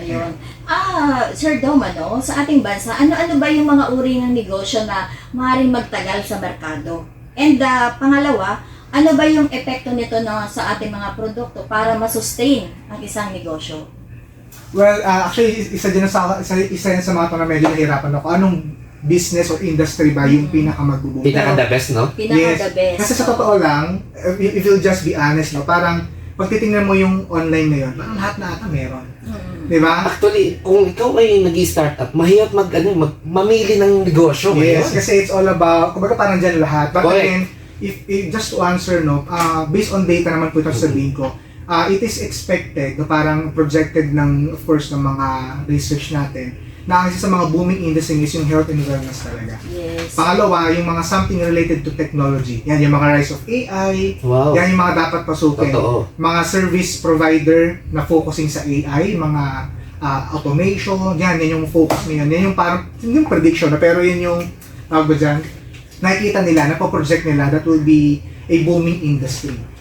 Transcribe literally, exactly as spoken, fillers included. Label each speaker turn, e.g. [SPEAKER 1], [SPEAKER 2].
[SPEAKER 1] Ayun. Ah, Sir Dom, ano, sa ating bansa, ano-ano ba yung mga uri ng negosyo na maaaring magtagal sa merkado? And uh, pangalawa, ano ba yung epekto nito no, sa ating mga produkto para masustain ang isang negosyo?
[SPEAKER 2] Well, uh, actually, isa din sa isa, isa yan sa mga to na medyo nahirapan ako. Anong business or industry ba yung pinaka magbubuo?
[SPEAKER 3] Pinaka the best, no?
[SPEAKER 1] Pinaka
[SPEAKER 2] Yes.
[SPEAKER 1] the best.
[SPEAKER 2] Kasi sa totoo lang, if, if you'll just be honest, no, parang pag titingnan mo yung online ngayon, parang lahat na ata meron.
[SPEAKER 1] Mm.
[SPEAKER 2] Di ba?
[SPEAKER 3] Actually, kung ikaw ay nag-startup, mahirap mag, ano, mag, mamili ng negosyo
[SPEAKER 2] Yes,
[SPEAKER 3] ngayon.
[SPEAKER 2] kasi it's all about, kumbaga parang dyan lahat. But
[SPEAKER 3] Correct.
[SPEAKER 2] again, if, if just to answer, no, uh, based on data naman po ito sabihin ko, uh, it is expected, no, parang projected ng, of course, ng mga research natin, na isa sa mga booming industry is yung health and wellness talaga.
[SPEAKER 1] Yes.
[SPEAKER 2] Pangalawa, yung mga something related to technology. Yan, yung mga rise of A I,
[SPEAKER 3] Wow.
[SPEAKER 2] yan yung mga dapat pasukin.
[SPEAKER 3] Totoo.
[SPEAKER 2] Mga service provider na focusing sa A I, mga ah, automation, yan, yan yung focus niyan. Yan yung parang, yung prediction na, pero yun yung, tawag ba dyan, nakikita nila, napoproject nila, that will be a booming industry.